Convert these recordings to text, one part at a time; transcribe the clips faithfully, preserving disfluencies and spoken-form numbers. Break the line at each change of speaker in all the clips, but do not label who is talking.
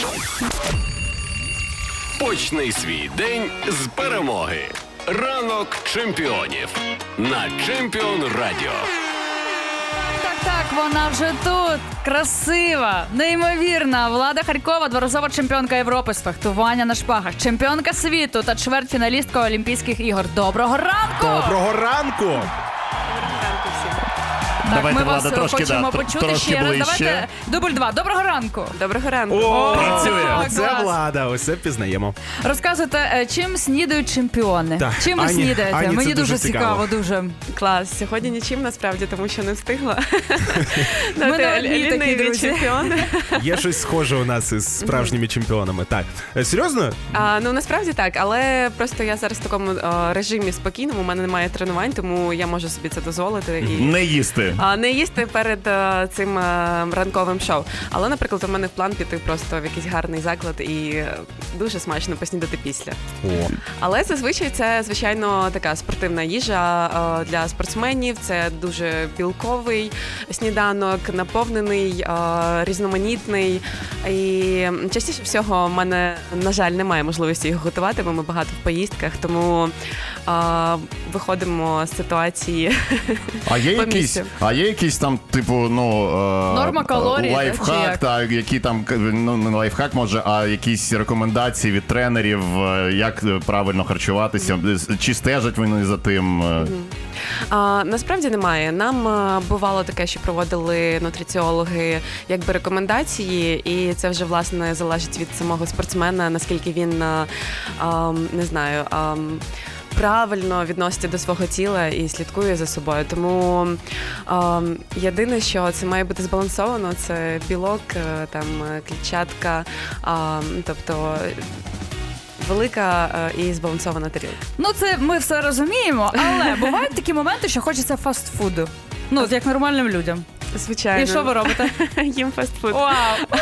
Почни свій день з перемоги. Ранок чемпіонів на Чемпіон Радіо.
Так, так, вона вже тут. Красива, неймовірна. Влада Харькова, дворазова чемпіонка Європи з фехтування на шпагах, чемпіонка світу та чвертьфіналістка Олімпійських ігор. Доброго ранку!
Доброго ранку!
Так,
Давайте,
ми
Влада,
вас
трошки,
хочемо
да,
почути
трошки
ще раз.
ближче.
Давайте дубль два. Доброго ранку.
Доброго ранку.
О,
працює.
Оце
Клас.
Влада, ось це впізнаємо.
Розказуйте, е, чим снідають чемпіони?
Так,
Чим ви
Ані-
снідаєте?
Ані, це
Мені
дуже
дуже
цікаво.
цікаво, дуже.
Клас. Сьогодні нічим насправді, тому що не встигла.
Ми
Ти
не одні такі,
ліниві
друзі.
чемпіони.
Є щось схоже у нас із справжніми чемпіонами. Так, Е, серйозно?
А, ну насправді так, але просто я зараз в такому а, режимі спокійному, у мене немає тренувань, тому я можу собі це дозволити і
Не їсти.
а, не їсти перед а, цим а, ранковим шоу. Але, наприклад, у мене в план піти просто в якийсь гарний заклад і е, дуже смачно поснідати після.
О,
Але зазвичай це, звичайно, така спортивна їжа е, для спортсменів. Це дуже білковий сніданок, наповнений, е, різноманітний. І частіше всього в мене, на жаль, немає можливості його готувати, бо ми багато в поїздках, тому е, виходимо з ситуації.
А є
По
якісь,
місцю.
а є якісь там, типу, ну е,
Норма калорій,
лайфхак,
чи як?
та які там ну не лайфхак, може, а якісь рекомендації від тренерів, е, як правильно харчуватися, чи стежать вони за тим? е?
А, насправді немає. Нам а, бувало таке, що проводили нутриціологи якби рекомендації, і це вже власне залежить від самого спортсмена, наскільки він а, а, не знаю. А, правильно відноситься до свого тіла і слідкує за собою. Тому а, єдине, що це має бути збалансовано, це білок, е, там е, клітчатка, а, тобто велика е, і збалансована тарілка.
Ну, це ми все розуміємо, але бувають такі моменти, що хочеться фастфуду. Ну, от як нормальним людям.
Звичайно.
І що ви робите?
Їм фастфуд.
Вау!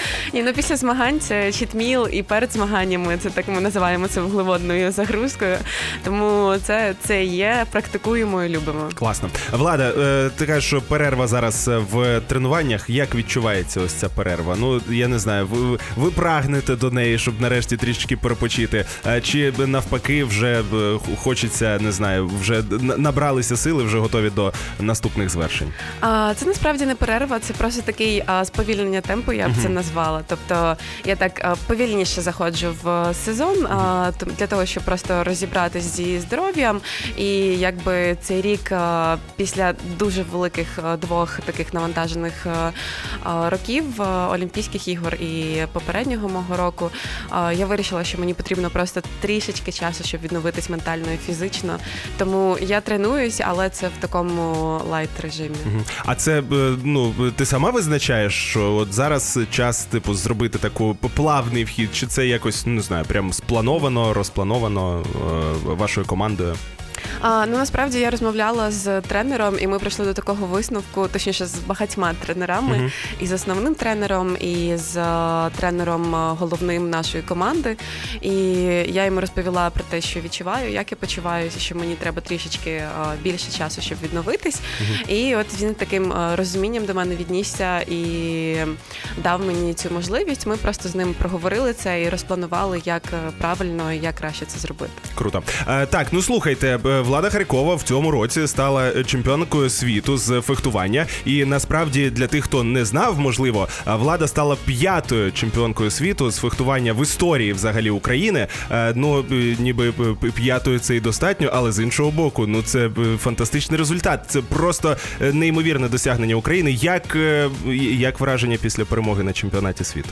І ну, після змагань це чітміл, і перед змаганнями це так ми називаємо це вуглеводною загрузкою. Тому це, це є, практикуємо і любимо.
класно. Влада, е, ти кажеш, що перерва зараз в тренуваннях. Як відчувається ось ця перерва? Ну, я не знаю, ви, ви прагнете до неї, щоб нарешті трішки перепочити? Е, Чи навпаки вже е, хочеться, не знаю, вже на- набралися сили, вже готові до наступних звершень?
А, це насправді не перерва, це просто такий а, сповільнення темпу, я б це назвала. Тобто я так а, повільніше заходжу в сезон а, то- для того, щоб просто розібратись зі здоров'ям. І якби цей рік а, після дуже великих а, двох таких навантажених а, а, років а, Олімпійських ігор і попереднього мого року, а, я вирішила, що мені потрібно просто трішечки часу, щоб відновитись ментально і фізично. Тому я тренуюсь, але це в такому лайт режимі.
Мгм. А це, е, ну, ти сама визначаєш, що от зараз час, типу, зробити таку плавний вхід, чи це якось, не знаю, прям сплановано, розплановано е, вашою командою?
А, ну насправді я розмовляла з тренером, і ми прийшли до такого висновку, точніше з багатьма тренерами,
Мгм.
і з основним тренером, і з е, тренером е, головним нашої команди. І я йому розповіла про те, що відчуваю, як я почуваюся, що мені треба трішечки е, більше часу, щоб відновитись. І от він таким е, розумінням до мене віднісся і дав мені цю можливість. Ми просто з ним проговорили це і розпланували, як е, правильно і як краще це зробити.
Круто. Е, так, ну слухайте, е, Влада Харькова в цьому році стала чемпіонкою світу з фехтування. І насправді для тих, хто не знав, можливо, е, Влада стала п'ятою чемпіонкою світу з фехтування в історії взагалі України. Е, ну, е, ніби е, п'ятою це і достатньо, але з іншого боку, ну це е, фантастичний результат. Це просто е, неймовірне досягнення України. Як, е, як враження після перемоги на чемпіонаті світу?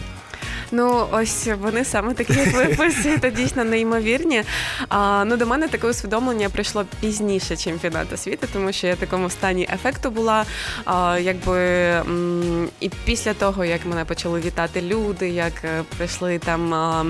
Ну, ось вони саме такі, як ви описуєте, дійсно неймовірні. А, ну, до мене таке усвідомлення прийшло пізніше чемпіонату світу, тому що я в такому стані ефекту була. А, якби, м, і після того, як мене почали вітати люди, як е, прийшли там а,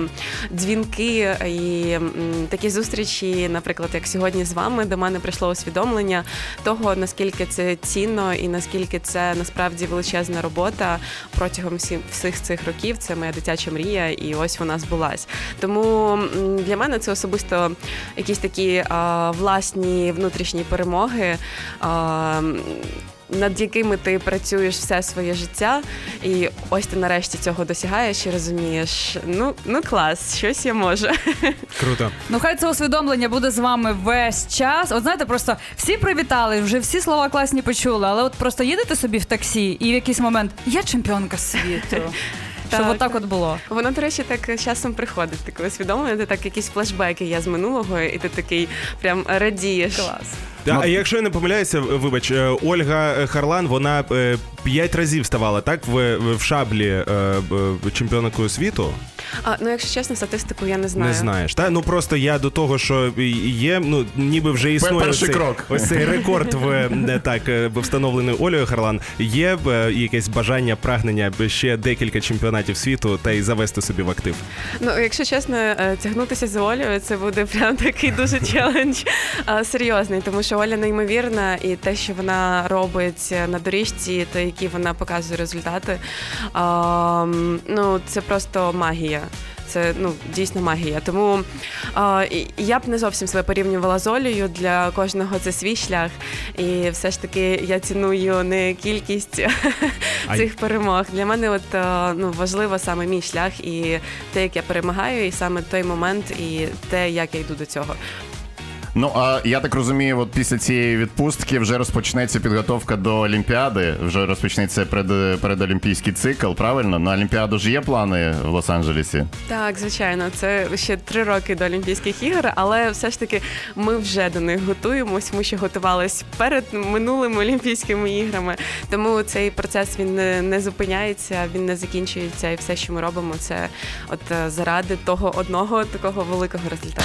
дзвінки і м, такі зустрічі, наприклад, як сьогодні з вами, до мене прийшло усвідомлення того, наскільки це цінно і наскільки це насправді величезна робота протягом всі, всіх цих років. Це моя дитяча мрія, і ось вона збулась. Тому м, для мене це особисто якісь такі а, власні внутрішні перемоги. А, над якими ти працюєш все своє життя, і ось ти нарешті цього досягаєш і розумієш, ну, ну клас, щось я можу.
Круто.
Ну хай це усвідомлення буде з вами весь час. От знаєте, просто всі привітали, вже всі слова класні почули, але от просто їдете собі в таксі і в якийсь момент я чемпіонка світу. Щоб
Так,
отак
так.
от було.
Воно, до речі, так часом приходить, таке усвідомлення, ти так якісь флешбеки є з минулого, і ти такий прям радієш.
Клас.
Да, а якщо я не помиляюся, вибач, е, Ольга Харлан, вона е, п'ять разів ставала, так, в, в шаблі е, е, чемпіонкою світу?
А, ну, якщо чесно, статистику я не знаю.
Не знаєш, та? Ну просто я до того, що є, ну ніби вже існує
Перший
цей,
крок.
ось цей рекорд в не так е, встановлений Олею Харлан. Є е, якесь бажання, прагнення ще декілька чемпіонатів світу та й завести собі в актив.
Ну, якщо чесно, е, тягнутися за Олею, це буде прям такий дуже челендж е, серйозний, тому що Оля неймовірна, і те, що вона робить на доріжці, та які вона показує результати, а, ну, це просто магія. Це, ну, дійсно магія. Тому а, і- я б не зовсім себе порівнювала з Олею. Для кожного це свій шлях. І все ж таки я ціную не кількість
Ай.
цих перемог. Для мене от, а, ну, важливо саме мій шлях і те, як я перемагаю, і саме той момент, і те, як я йду до цього.
Ну, а я так розумію, от після цієї відпустки вже розпочнеться підготовка до Олімпіади, вже розпочнеться пред, передолімпійський цикл, правильно? На Олімпіаду ж є плани в Лос-Анджелесі?
Так, звичайно, це ще три роки до Олімпійських ігор, але все ж таки ми вже до них готуємось. Ми ще готувалися перед минулими Олімпійськими іграми. Тому цей процес він не, не зупиняється, він не закінчується, і все, що ми робимо, це от е, заради того одного такого великого результату.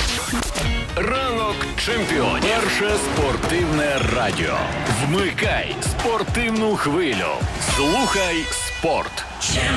Ранок чемпіонів. Перше спортивне радіо. Вмикай спортивну хвилю. Слухай спорт.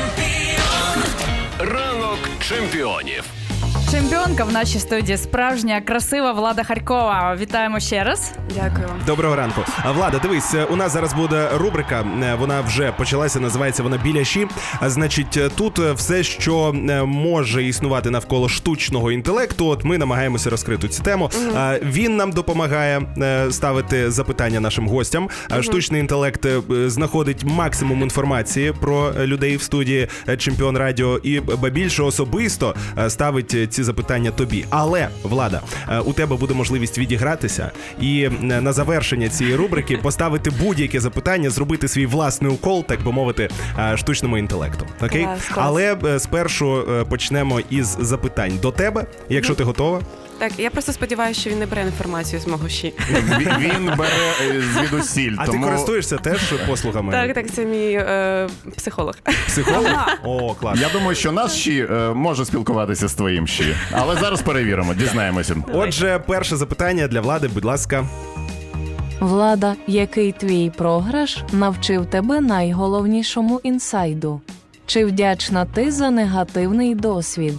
Ранок чемпіонів.
Чемпіонка в нашій студії справжня, красива Влада Харькова. Вітаємо ще раз.
Дякую вам.
Доброго ранку. А, Влада, дивись, у нас зараз буде рубрика, е, вона вже почалася, називається вона «Біляші». А, значить, тут все, що е, може існувати навколо штучного інтелекту, от ми намагаємося розкрити цю тему. А, Він нам допомагає е, ставити запитання нашим гостям. А штучний інтелект е, знаходить максимум інформації про людей в студії е, «Чемпіон Радіо» і ба більше особисто е, ставить е, ці запитання тобі. Але, Влада, е, у тебе буде можливість відігратися і е, на завершення цієї рубрики поставити будь-яке запитання, зробити свій власний укол, так би мовити, е, штучному інтелекту. Окей?
Клас, клас.
Але е, спершу е, почнемо із запитань до тебе, якщо ти готова.
Так, я просто сподіваюся, що він не бере інформацію з мого щі.
Він, він бере е, звідусіль,
А
тому...
ти користуєшся теж послугами?
Так, так, це мій е, психолог.
Психолог? О, клас.
Я думаю, що наш щі е, може спілкуватися з твоїм щі. Але зараз перевіримо, дізнаємося.
Отже, перше запитання для Влади, будь ласка.
Влада, який твій програш навчив тебе найголовнішому інсайду? Чи вдячна ти за негативний досвід?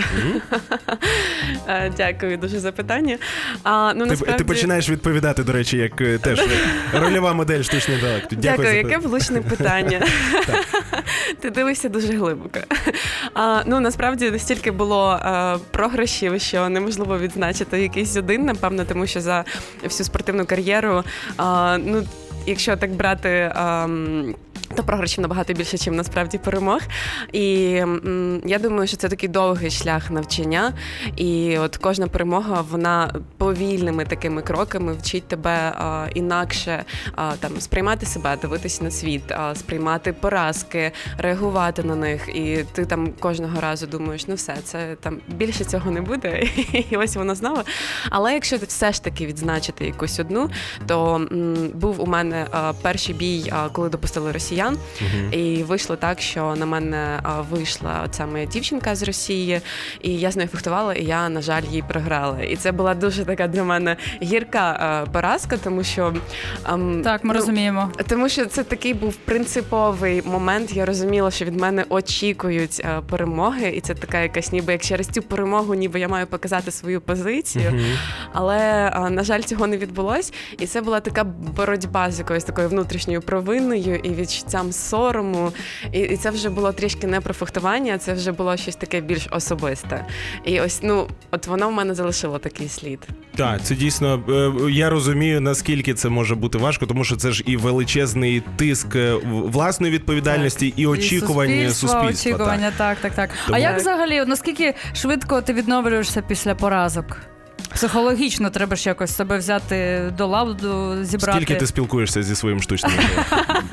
Е, Дякую дуже за питання. А, ну,
Ти,
насправді...
ти починаєш відповідати, до речі, як е, теж рольова модель штучного інтелекту.
Дякую,
за
яке влучне питання. Ти дивишся дуже глибоко. А, ну, насправді, стільки було а, програшів, що неможливо відзначити якийсь один, напевно, тому що за всю спортивну кар'єру, а, ну, якщо так брати... А, то програшів набагато більше, ніж насправді перемог. І м, я думаю, що це такий довгий шлях навчання. І от кожна перемога, вона повільними такими кроками вчить тебе а, інакше а, там, сприймати себе, дивитися на світ, а, сприймати поразки, реагувати на них. І ти там кожного разу думаєш, ну все, це там більше цього не буде. І ось воно знову. Але якщо все ж таки відзначити якусь одну, то м, був у мене а, перший бій, а, коли допустили росіян. Uh-huh. І вийшло так, що на мене а, вийшла оця моя дівчинка з Росії, і я з нею фехтувала, і я, на жаль, їй програла. І це була дуже така для мене гірка а, поразка, тому що... А,
Так, ми
ну,
розуміємо.
Тому що це такий був принциповий момент. Я розуміла, що від мене очікують а, перемоги, і це така якась ніби як через цю перемогу, ніби я маю показати свою позицію. Uh-huh. Але, а, на жаль, цього не відбулось. І це була така боротьба з якоюсь такою внутрішньою провинною і відчуттям почуттям сорому. І, і це вже було трішки не про фехтування, це вже було щось таке більш особисте. І ось, ну, от воно в мене залишило такий слід.
Так, це дійсно, е, я розумію, наскільки це може бути важко, тому що це ж і величезний тиск е, в- власної відповідальності, і очікування
І
суспільства.
очікування, так, так, так.
Тому-
А як
Так.
взагалі, от наскільки швидко ти відновлюєшся після поразок? Психологічно треба ж якось себе взяти до ладу, зібрати.
Скільки ти спілкуєшся зі своїм штучним інтелектом?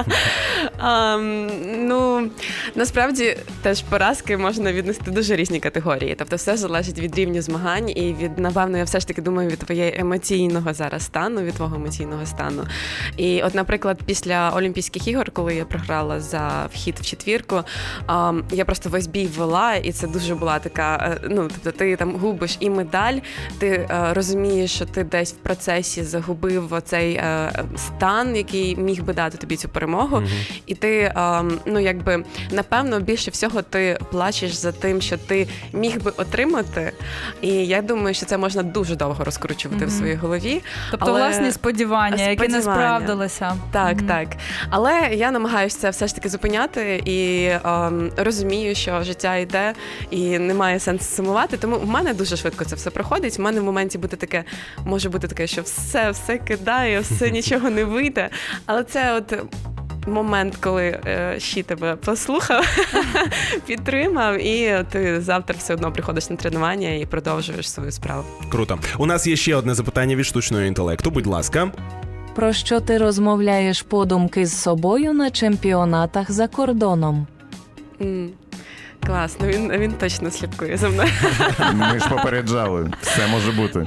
А, ну, насправді теж поразки можна віднести дуже різні категорії. Тобто все залежить від рівня змагань і від, напевно, я все ж таки думаю, від твоєї емоційного зараз стану, від твого емоційного стану. І от, наприклад, після Олімпійських ігор, коли я програла за вхід в четвірку, а, я просто весь бій вела, і це дуже була така, е, ну, тобто ти там губиш і медаль, ти е, розумієш, що ти десь в процесі загубив оцей е, стан, який міг би дати тобі цю перемогу. Mm-hmm. І ти, е, ну якби, напевно, більше всього ти плачеш за тим, що ти міг би отримати. І я думаю, що це можна дуже довго розкручувати mm-hmm. в своїй голові.
Тобто
але...
власні сподівання, які не
Сподівання.
справдилися.
Так,
Мгм.
так. Але я намагаюся це все ж таки зупиняти і ем, розумію, що життя йде і немає сенсу сумувати. Тому в мене дуже швидко це все проходить. В мене в моменті буде таке, може бути таке, що все, все кидає, все нічого не вийде. Але це от момент, коли е, щі тебе послухав, підтримав, і ти завтра все одно приходиш на тренування і продовжуєш свою справу.
Круто. У нас є ще одне запитання від штучного інтелекту. Будь ласка.
Про що ти розмовляєш подумки з собою на чемпіонатах за кордоном?
М. Клас, ну він, він точно слідкує за мною.
Ми ж попереджали, все може бути.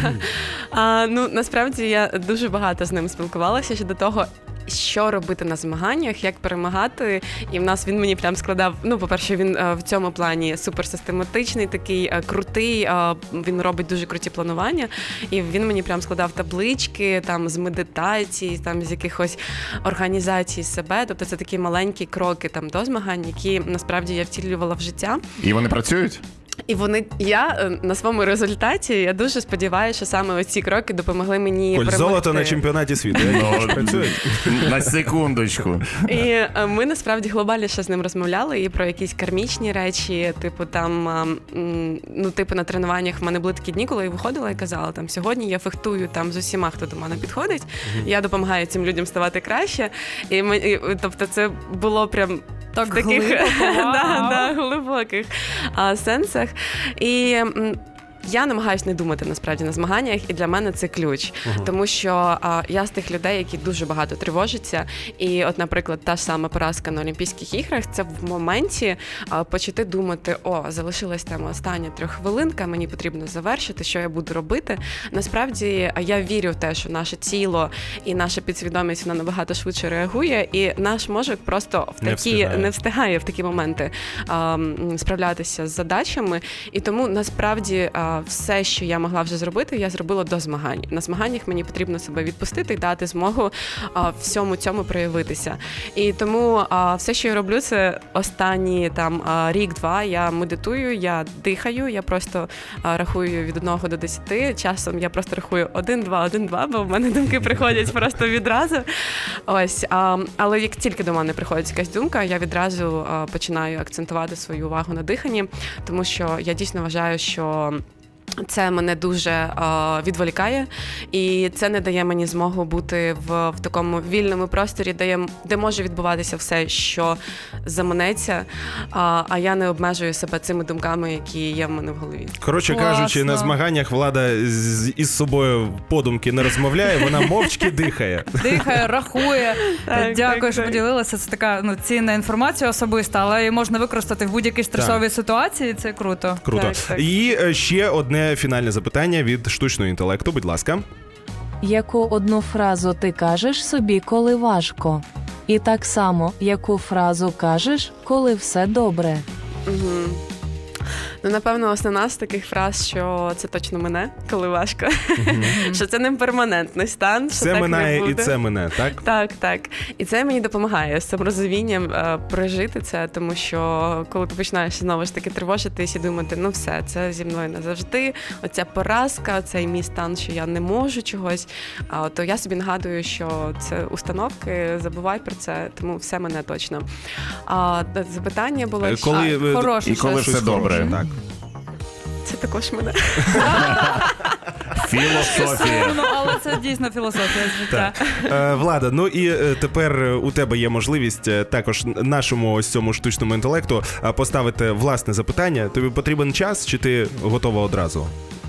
А, ну, насправді я дуже багато з ним спілкувалася щодо того, що робити на змаганнях, як перемагати. І в нас він мені прям складав, ну, по-перше, він е, в цьому плані суперсистематичний, такий е, крутий, е, він робить дуже круті планування. І він мені прям складав таблички там з медитацій, там з якихось організацій себе. Тобто це такі маленькі кроки там до змагань, які насправді я втілювала в життя.
І вони працюють?
І вони, я е, на своєму результаті, я дуже сподіваюся, що саме оці кроки допомогли мені
Коль,
перемогти.
золото на чемпіонаті світу. Як працює?
На секундочку.
І е, ми насправді глобальніше з ним розмовляли і про якісь кармічні речі, типу там, а, м, ну типу на тренуваннях в мене були такі дні, коли я виходила і казала, там сьогодні я фехтую там з усіма, хто до мене підходить, mm-hmm. я допомагаю цим людям ставати краще. І ми, і, тобто це було прям
Так
в таких
глибоко,
да,
вау.
да, глибоких а, сенсах. І м, я намагаюся не думати насправді на змаганнях, і для мене це ключ. Uh-huh. Тому що а, я з тих людей, які дуже багато тривожаться. І от, наприклад, та ж сама поразка на Олімпійських іграх, це в моменті а, почати думати, о, залишилась там остання трьоххвилинка, мені потрібно завершити, що я буду робити. Насправді, я вірю в те, що наше тіло і наша підсвідомість, вона набагато швидше реагує, і наш мозок просто в
Не
такі
встигає.
не встигає в такі моменти а, м, справлятися з задачами. І тому, насправді, а, все, що я могла вже зробити, я зробила до змагань. На змаганнях мені потрібно себе відпустити і дати змогу а, всьому цьому проявитися. І тому а, все, що я роблю, це останні там а, рік-два я медитую, я дихаю, я просто а, рахую від одного до десяти. Часом я просто рахую один-два, один-два, бо в мене думки приходять просто відразу. Ось, а, але як тільки до мене приходить якась думка, я відразу а, починаю акцентувати свою увагу на диханні, тому що я дійсно вважаю, що це мене дуже е, відволікає, і це не дає мені змогу бути в, в такому вільному просторі, де, я, де може відбуватися все, що заманеться, а, а я не обмежую себе цими думками, які є в мене в голові.
Коротше
Класно.
кажучи, на змаганнях Влада з, із собою подумки не розмовляє, вона мовчки дихає.
Дихає, рахує.
Так,
Дякую,
так,
що
так.
поділилася. Це така ну, цінна інформація особиста, але її можна використати в будь-якій стресовій ситуації. Це круто.
Круто.
Так, так.
І е, ще одне фінальне запитання від штучного інтелекту. Будь ласка.
Яку одну фразу ти кажеш собі, коли важко? І так само, яку фразу кажеш, коли все добре?
Угу. Ну, напевно, основна з таких фраз, що це точно мене, коли важко. Що це не перманентний стан, що
Це
так не
минає і
буде.
це мине, так?
Так, так. І це мені допомагає з цим розумінням е, прожити це, тому що коли ти починаєш знову ж таки тривожитись і думати, ну все, це зі мною назавжди, оця поразка, цей мій стан, що я не можу чогось, а, то я собі нагадую, що це установки, забувай про це, тому все мене точно. А запитання було,
Е, коли,
а,
е,
Хороше
І коли
щось.
все добре.
Так.
це також мене.
Філософія.
Ну, але це дійсно філософія з життя.
Е, Влада, ну і е, тепер е, у тебе є можливість е, також нашому ось цьому штучному інтелекту е, поставити власне запитання. Тобі потрібен час, чи ти готова одразу?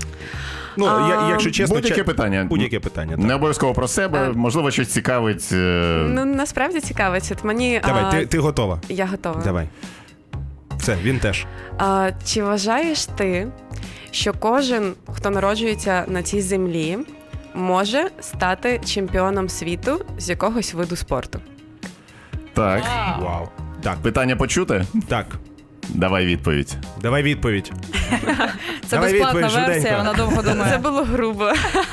Ну, я,
А,
якщо чесно,
Будь-яке
ча-
питання.
Будь-яке питання.
Не
Так.
обов'язково про себе,
Е.
можливо, щось цікавить. е,
Ну, насправді цікавить. От мені,
Давай,
а,
ти, ти готова.
я готова.
Давай. Все, він теж.
А, чи вважаєш ти, що кожен, хто народжується на цій землі, може стати чемпіоном світу з якогось виду спорту?
Так.
Вау. Так,
Питання почути?
так.
Давай відповідь.
Давай відповідь.
Це
Давай
безплатна
відповідь,
версія,
швиденько.
вона довго
Це
думає.
було грубо.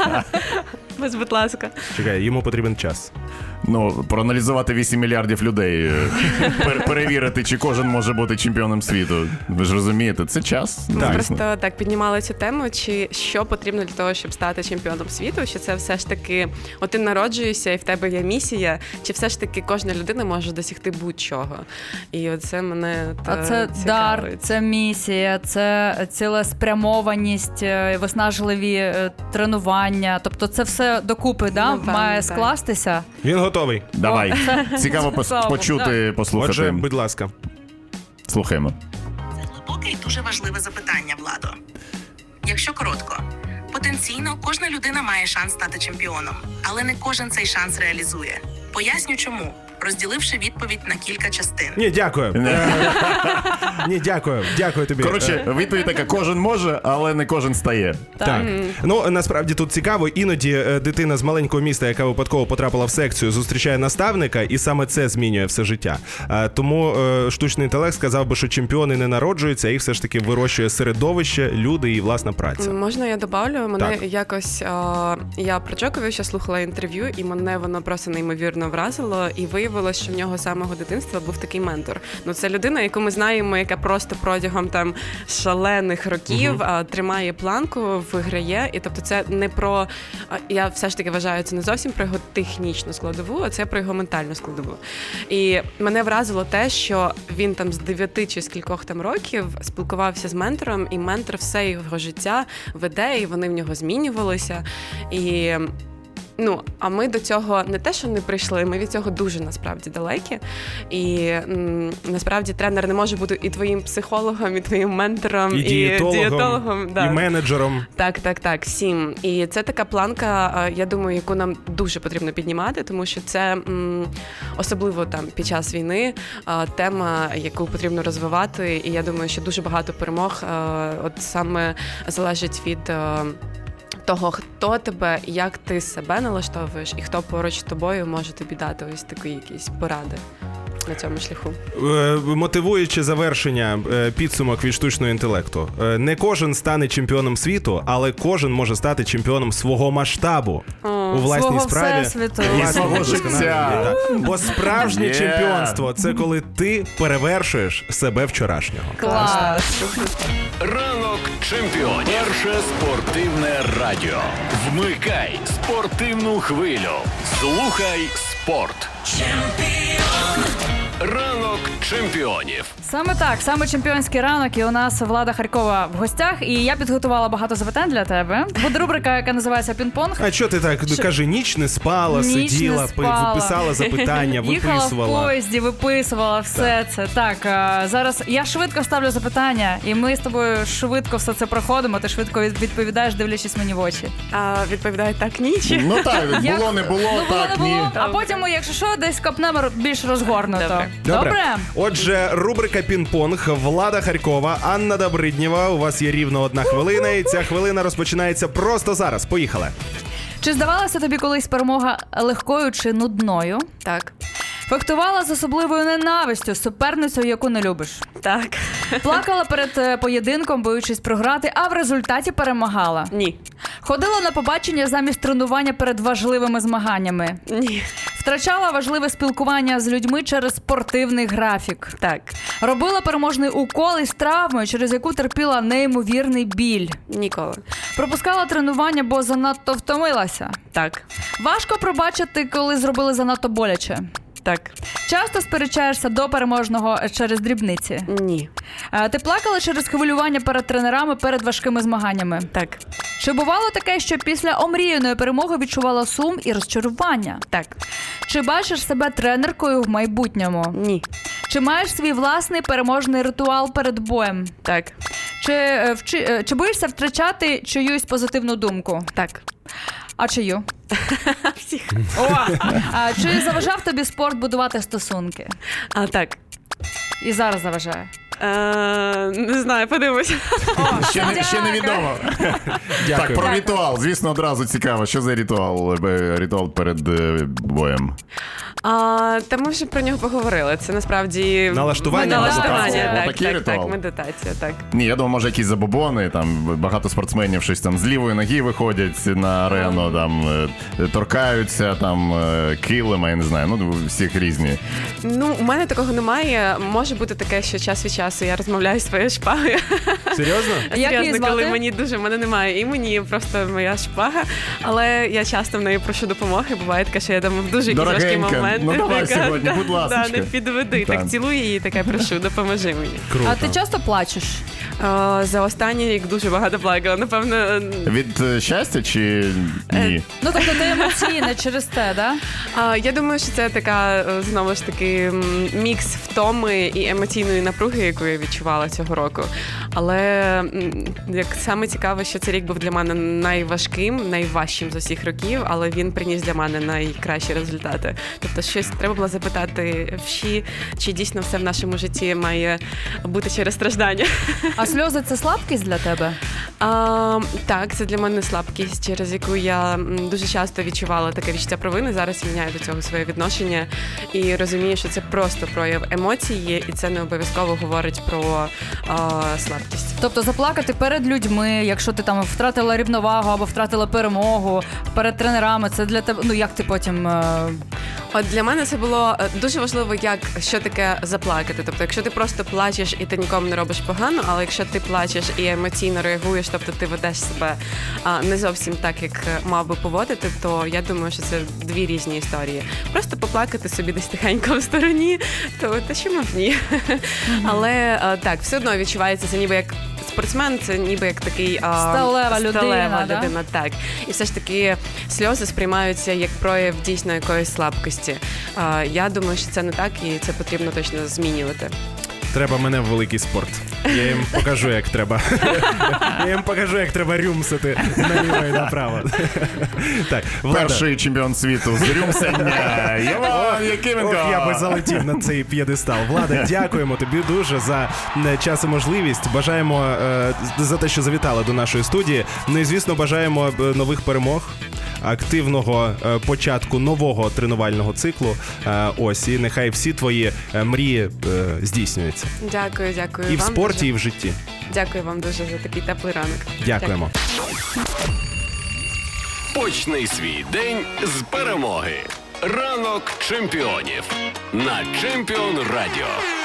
Ось, будь ласка.
Чекай, йому потрібен час.
Ну, проаналізувати вісім мільярдів людей, е, пер- перевірити, чи кожен може бути чемпіоном світу. Ви ж розумієте, це час.
Ми
звісно.
просто так піднімали цю тему, чи що потрібно для того, щоб стати чемпіоном світу, що це все ж таки, от ти народжуєшся і в тебе є місія, чи все ж таки кожна людина може досягти будь-чого. І оце мене
А
та
це дар,
цікавить.
це місія, це цілеспрямованість, е, виснажливі е, тренування. Тобто це все докупи, да,
Напевно,
має
так.
скластися.
Він готовий.
Давай. Цікаво пос-
Слава Богу,
почути, послухати.
Отже, будь ласка.
Слухаємо.
Це глибоке і дуже важливе запитання, Владо. Якщо коротко, потенційно кожна людина має шанс стати чемпіоном, але не кожен цей шанс реалізує. Поясню чому, розділивши відповідь на кілька частин.
Ні, дякую. Е, Ні, дякую. Дякую тобі. Е,
Коротше, відповідь така: кожен може, але не кожен стає.
Так. Ну, насправді тут цікаво, іноді е, дитина з маленького міста, яка випадково потрапила в секцію, зустрічає наставника, і саме це змінює все життя. Е, Тому е, штучний інтелект сказав би, що чемпіони не народжуються, їх все ж таки вирощує середовище, люди і власна праця.
Можна я добавлю? Мене
Так.
якось а, я про Джоковича слухала інтерв'ю, і мене воно просто неймовірно вразило. І виявилось, що в нього з самого дитинства був такий ментор. Ну це людина, яку ми знаємо, яка просто протягом там шалених років uh-huh. а, тримає планку, виграє. І тобто, це не про а, я все ж таки вважаю, це не зовсім про його технічну складову, а це про його ментальну складову. І мене вразило те, що він там з дев'яти чи з кількох там років спілкувався з ментором, і ментор все його життя веде, і вони в нього змінювалися. І ну, а ми до цього не те, що не прийшли, ми від цього дуже насправді далекі. І м, насправді тренер не може бути і твоїм психологом, і твоїм ментором,
І
і,
дієтологом,
дієтологом,
і
да.
менеджером.
Так, так, так, всім. І це така планка, а, я думаю, яку нам дуже потрібно піднімати, тому що це м, особливо там під час війни а, тема, яку потрібно розвивати. І я думаю, що дуже багато перемог а, от саме залежить від а, того, хто тебе, як ти себе налаштовуєш, і хто поруч з тобою може тобі дати ось такі якісь поради на цьому шляху.
Е, Мотивуюче завершення, е, підсумок від штучного інтелекту. Е, Не кожен стане чемпіоном світу, але кожен може стати чемпіоном свого масштабу у власній
свого
справі.
всесвіту.
власній
І свого
вдосконаленні,
життя.
так. Бо справжнє
Є.
чемпіонство – це коли ти перевершуєш себе вчорашнього.
Клас.
Ранок чемпіонів. Перше спортивне радіо. Вмикай спортивну хвилю. Слухай спорт. Ранок чемпіонів.
Саме так, саме чемпіонський ранок, і у нас Влада Харкова в гостях, і я підготувала багато запитань для тебе. Буде рубрика, яка називається «Пінг-понг».
А що ти так? Кажи, ніч не спала,
Ніч не
сиділа,
спала.
писала запитання,
Їхала в
виписувала.
поїзді, виписувала все це. Так, а, зараз я швидко ставлю запитання, і ми з тобою швидко все це проходимо. Ти швидко від- відповідаєш, дивлячись мені в очі.
А відповідає так, ніч.
Ну так,
Як-
було, не було,
Ну, було,
так,
не
ні.
було. А потім, ми, якщо що, десь копнемо більш розгорнуто.
Добре.
Добре. Отже, рубрика «Пінг-понг». Влада Харкова, Анна Добриднєва. У вас є рівно одна хвилина, і ця хвилина розпочинається просто зараз. Поїхали.
Чи здавалася тобі колись перемога легкою чи нудною?
Так,
Фехтувала з особливою ненавистю з суперницею, яку не любиш?
Так.
Плакала перед е, поєдинком, боючись програти, а в результаті перемагала.
Ні.
Ходила на побачення замість тренування перед важливими змаганнями.
Ні.
Втрачала важливе спілкування з людьми через спортивний графік.
Так.
Робила переможний укол із травмою, через яку терпіла неймовірний біль.
Ніколи.
Пропускала тренування, бо занадто втомилася.
Так.
Важко пробачити, коли зробили занадто боляче.
Так.
Часто сперечаєшся до переможного через дрібниці.
Ні.
Е, Ти плакала через хвилювання перед тренерами перед важкими змаганнями.
Так.
Чи бувало таке, що після омріяної перемоги відчувала сум і розчарування?
Так.
Чи бачиш себе тренеркою в майбутньому?
Ні.
Чи маєш свій власний переможний ритуал перед боєм?
Так.
Чи, е, вчи, е, чи боїшся втрачати чиюсь позитивну думку?
Так.
А чию?
Всіх.
О! А, чи заважав тобі спорт будувати стосунки?
А, так.
І зараз заважає.
Е, не знаю, подивимось.
Ще, не, ще невідомо. Так, про ритуал. Звісно, одразу цікаво. Що за ритуал? Е, Ритуал перед е, боєм.
А, та ми вже про нього поговорили. Це насправді
Налаштування,
налаштування.
медитація.
Так,
Отакий
так,
ритуал?
так, медитація, так.
Ні, я думаю, може якісь забобони, там багато спортсменів щось там з лівої ноги виходять на арену, там е, торкаються, там е, килима, я не знаю, ну всіх різні.
Ну, у мене такого немає. Може бути таке, що час від часу я розмовляю з своєю шпагою.
Серйозно?
Як її
Серйозно,
звати?
коли мені дуже, в мене немає імені, просто моя шпага. Але я часто в неї прошу допомоги. Буває таке, що я там в дуже якісь важкі
Дорогенька,
моменти.
ну давай
така,
сьогодні, будь
да,
ласочка.
Да, не підведи.
Так.
Так цілую її, така прошу, допоможи мені.
Круто.
А ти часто плачеш?
Е, За останній рік дуже багато плакала. Напевно, е,
Від е, щастя чи ні?
Ну, тобто ти емоційна через те, да?
А, я думаю, що це така, е, знову ж таки, м, мікс втоми і емоційної напруги, яку я відчувала цього року. Але м, як саме цікаве, що цей рік був для мене найважким, найважчим з усіх років, але він приніс для мене найкращі результати. Тобто щось треба було запитати вші, чи дійсно все в нашому житті має бути через страждання.
А сльози – це слабкість для тебе?
А, так, це для мене слабкість, через яку я м, дуже часто відчувала таке відчуття провини. Зараз я міняю до цього своє відношення і розумію, що це просто прояв емоції, і це не обов'язково говорить про а, слабкість.
Тобто заплакати перед людьми, якщо ти там втратила рівновагу або втратила перемогу, перед тренерами, це для тебе, ну як ти потім... е,
От для мене це було е, дуже важливо, як що таке заплакати. Тобто, якщо ти просто плачеш і ти нікому не робиш погано, але якщо ти плачеш і емоційно реагуєш, тобто ти ведеш себе а, не зовсім так, як мав би поводити, то я думаю, що це дві різні історії. Просто поплакати собі десь тихенько в стороні, то та чому б ні? Але е, так, все одно відчувається це ніби як. Спортсмен це ніби як такий а,
Сталева людина,
сталева
да?
людина, так. І все ж таки сльози сприймаються як прояв дійсно якоїсь слабкості. А, я думаю, що це не так, і це потрібно точно змінювати.
Треба мене в великий спорт. Я їм покажу, як треба. Я їм покажу, як треба рюмсити наліво і направо. Так, Влада.
Перший чемпіон світу з рюмсення. Іван Якименко.
Ох, я би залетів на цей п'єдестал. Влада, дякуємо тобі дуже за е, час і можливість. Бажаємо е, за те, що завітали до нашої студії. Ну і, звісно, бажаємо е, нових перемог, активного е, початку нового тренувального циклу. Е, ось, і нехай всі твої е, мрії е, здійснюються.
Дякую, дякую
І в
вам
спорті,
дуже.
і в житті.
Дякую вам дуже за такий теплий ранок.
Дякуємо.
Почни свій день з перемоги. Ранок чемпіонів на Чемпіон Радіо.